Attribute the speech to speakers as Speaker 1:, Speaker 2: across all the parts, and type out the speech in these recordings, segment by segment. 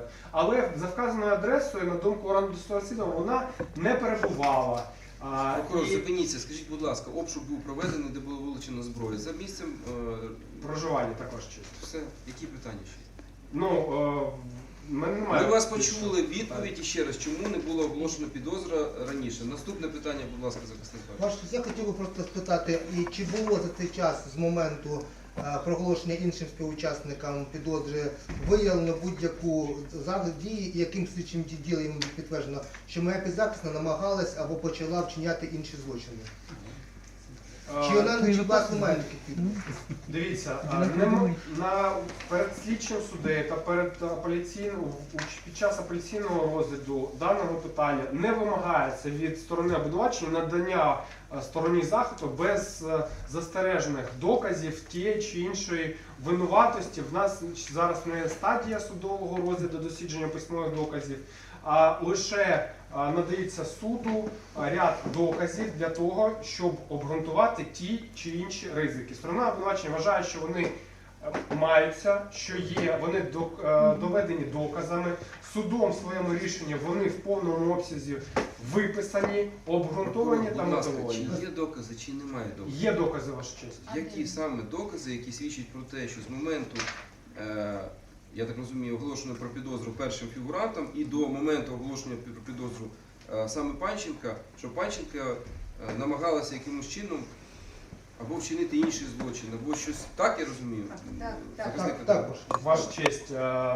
Speaker 1: Але за вказаною адресою, на думку органу досудового розслідування, вона не перебувала.
Speaker 2: Прокурор, зупиніться, скажіть, будь ласка, обшук був проведений, де було вилучено зброю. За місцем
Speaker 1: Проживання також чисто.
Speaker 2: все. Які питання ще?
Speaker 1: Ми
Speaker 2: вас почули відповідь і ще раз, чому не було оголошено підозра раніше. Наступне питання, будь ласка, захисник.
Speaker 3: Ваш, я хотів би просто спитати, і чи було за цей час з моменту проголошення іншим співучасникам підозри виявлено будь-яку дію, яким слідчим ділом підтверджено, що моя підзахисна намагалась або почала вчиняти інші злочини? Чи вона не була сумельників?
Speaker 1: Дивіться, перед слідчим суддею та під час апеляційного розгляду даного питання не вимагається від сторони обвинувачення надання стороні захисту без застережених доказів тієї чи іншої винуватості. В нас зараз не стадія судового розгляду дослідження письмових доказів, а лише надається суду ряд доказів для того, щоб обґрунтувати ті чи інші ризики. Сторона обвинувачення вважає, що вони маються, що є, вони доведені доказами, судом в своєму рішенні вони в повному обсязі виписані, обґрунтовані та мотивовані.
Speaker 2: Чи є докази, чи немає доказів?
Speaker 1: Є докази, ваша честь.
Speaker 2: Які саме докази, які свідчать про те, що з моменту, я так розумію, оголошено про підозру першим фігурантом і до моменту оголошення про підозру саме Панченка, що Панченка намагалася якимось чином або вчинити інший злочин, або щось, так я розумію?
Speaker 3: Так.
Speaker 1: Ваша честь,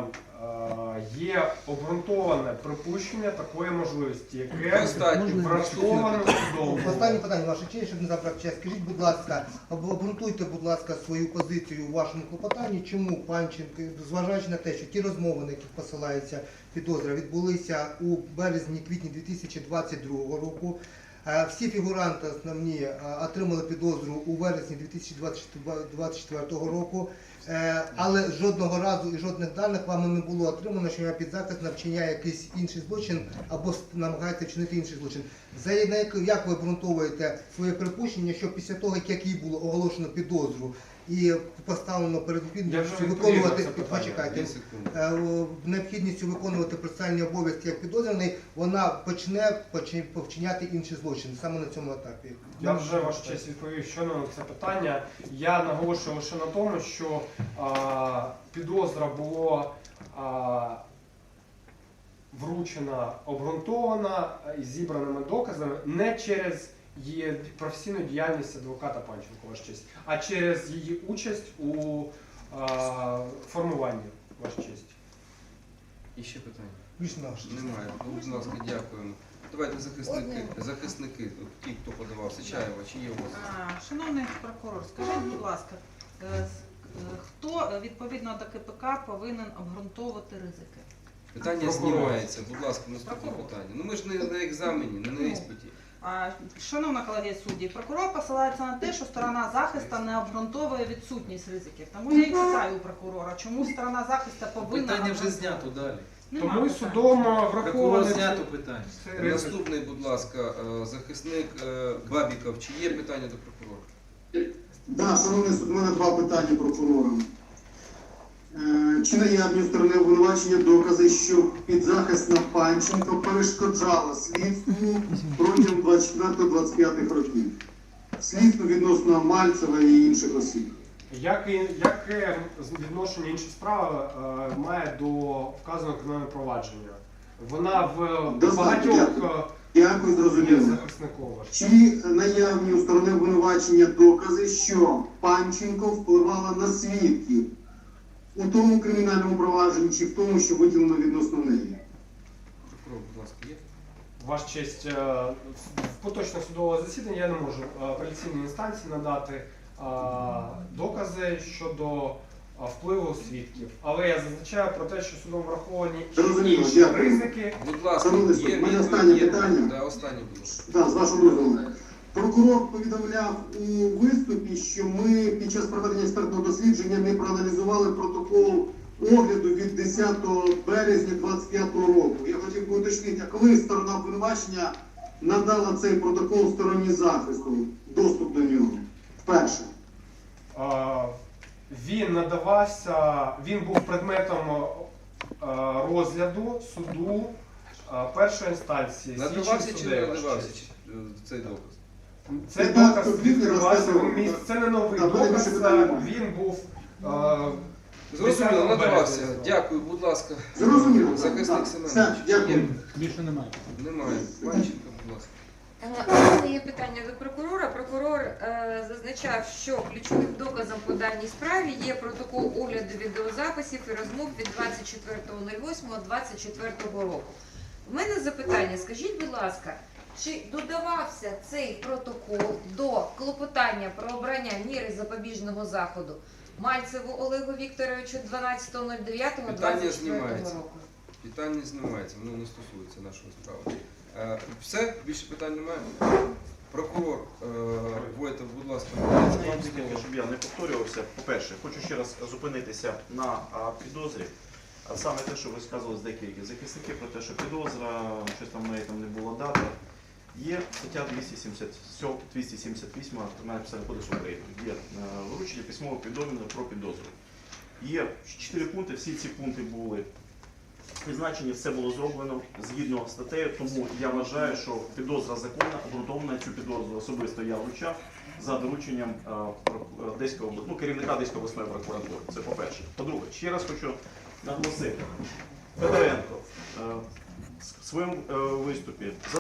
Speaker 1: є обґрунтоване припущення такої можливості, яке враховано судом.
Speaker 3: Останнє питання, ваша честь, щоб не забрати час. Скажіть, будь ласка, обґрунтуйте, будь ласка, свою позицію у вашому клопотанні, чому Панченко, зважаючи на те, що ті розмови, на яких посилається підозра, відбулися у березні-квітні 2022 року. Всі фігуранти основні отримали підозру у вересні 2024 року, але жодного разу і жодних даних вам не було отримано, що підзахисна вчиняє якийсь інший злочин або намагається вчинити інший злочин. Як ви обґрунтовуєте своє припущення, що після того, як їй було оголошено підозру і поставлено перед необхідністю виконувати процесуальні обов'язки як підозрюваний, вона почне вчиняти інший злочин саме на цьому етапі?
Speaker 1: Я вже, ваша честь, відповів щойно на це питання. Я наголошую лише на тому, що підозра була вручена, обґрунтована і зібраними доказами не через її професійну діяльність адвоката Панченко, ваша честь, а через її участь у формуванні, ваша честь.
Speaker 2: І ще питання?
Speaker 3: Немає.
Speaker 2: Будь ласка, дякуємо. Давайте захисники, ті, хто подавався, Чаєва, чи є у вас?
Speaker 4: Шановний прокурор, скажіть, будь ласка, хто відповідно до КПК повинен обґрунтовувати ризики?
Speaker 2: Питання знімається, будь ласка, наступне питання. Ну ми ж не на екзамені, не на іспиті.
Speaker 4: Шановна колегія судді, прокурор посилається на те, що сторона захисту не обґрунтовує відсутність ризиків. Тому я і питаю у прокурора, чому сторона захисту повинна...
Speaker 5: Питання вже знято далі.
Speaker 1: Тому і судом враховано
Speaker 5: знято питання.
Speaker 2: Наступний, будь ласка, захисник Бабіков. Чи є питання до прокурора?
Speaker 6: Так, шановний суд, у мене два питання прокурорам. Чи наявні у сторони обвинувачення докази, що підзахисна Панченко перешкоджала слідству протягом 24-25 років? Слідство відносно Мальцева і інших осіб.
Speaker 1: Яке відношення іншої справи має до вказаного кримінального провадження? Вона в багатьох
Speaker 6: Дякую, зрозуміло. Чи наявні у сторони обвинувачення докази, що Панченко впливала на свідків у тому кримінальному провадженні чи в тому, що виділено відносно неї?
Speaker 2: Прокурор, будь ласка, є?
Speaker 1: Ваша честь, в поточне судове засідання я не можу апеляційній інстанції надати докази щодо впливу свідків. Але я зазначаю про те, що судом враховані інші ризики.
Speaker 2: Будь ласка, є
Speaker 6: моє останнє питання.
Speaker 2: Да, останнє, будь ласка.
Speaker 6: Так, з вашого дозволу. Прокурор повідомляв у виступі, що ми під час проведення експертного дослідження не проаналізували протокол огляду від 10 березня 2025 року. Я хотів би уточнити, а коли сторона обвинувачення надала цей протокол стороні захисту, доступ до нього? Вперше.
Speaker 1: Він надавався, він був предметом розгляду суду першої інстанції.
Speaker 2: Надавався
Speaker 1: слідчим
Speaker 2: чи не
Speaker 1: суддею,
Speaker 2: надавався
Speaker 1: ваша честь.
Speaker 2: цей доказ?
Speaker 1: Цей
Speaker 6: Так,
Speaker 1: доказ
Speaker 6: то він
Speaker 1: відкривався
Speaker 6: розказував.
Speaker 1: в місці. Це не новий
Speaker 6: Так, буде
Speaker 1: доказ,
Speaker 6: більше питань.
Speaker 1: він був
Speaker 2: Зрозуміло,
Speaker 1: 10
Speaker 2: надавався.
Speaker 1: березня.
Speaker 2: Дякую, будь ласка.
Speaker 6: Зрозуміло.
Speaker 2: Захисник
Speaker 6: Так,
Speaker 2: Семенович.
Speaker 6: все, дякую.
Speaker 2: Є?
Speaker 5: Більше немає.
Speaker 2: Немає. Панченко, будь ласка.
Speaker 7: У мене є питання до прокурора. Прокурор зазначав, що ключовим доказом по даній справі є протокол огляду відеозаписів і розмов від 24.08.24 року. У мене запитання, скажіть, будь ласка, чи додавався цей протокол до клопотання про обрання міри запобіжного заходу Мальцеву Олегу Вікторовичу 12.09.24
Speaker 2: знімається.
Speaker 7: року?
Speaker 2: Питання знімається, воно не стосується нашої справи. Все? Більше питань немає? Прокурор Войтов, будь ласка, вам
Speaker 8: Тільки,
Speaker 2: слово.
Speaker 8: щоб я не повторювався, по-перше, хочу ще раз зупинитися на підозрі. А саме те, що ви сказали з деяких захисників про те, що підозра, щось там в неї там не було дати. Є стаття 278 Кримінального процесуального кодексу України. Є вручення письмового повідомлення про підозру. Є 4 пункти, всі ці пункти були призначені, все було зроблено згідно статтею, тому я вважаю, що підозра законна, обґрунтована цю підозру особисто я вручав за дорученням керівника Одеської обласної прокуратури. Це по-перше. По-друге, ще раз хочу наголосити, Федоренко в своєму виступі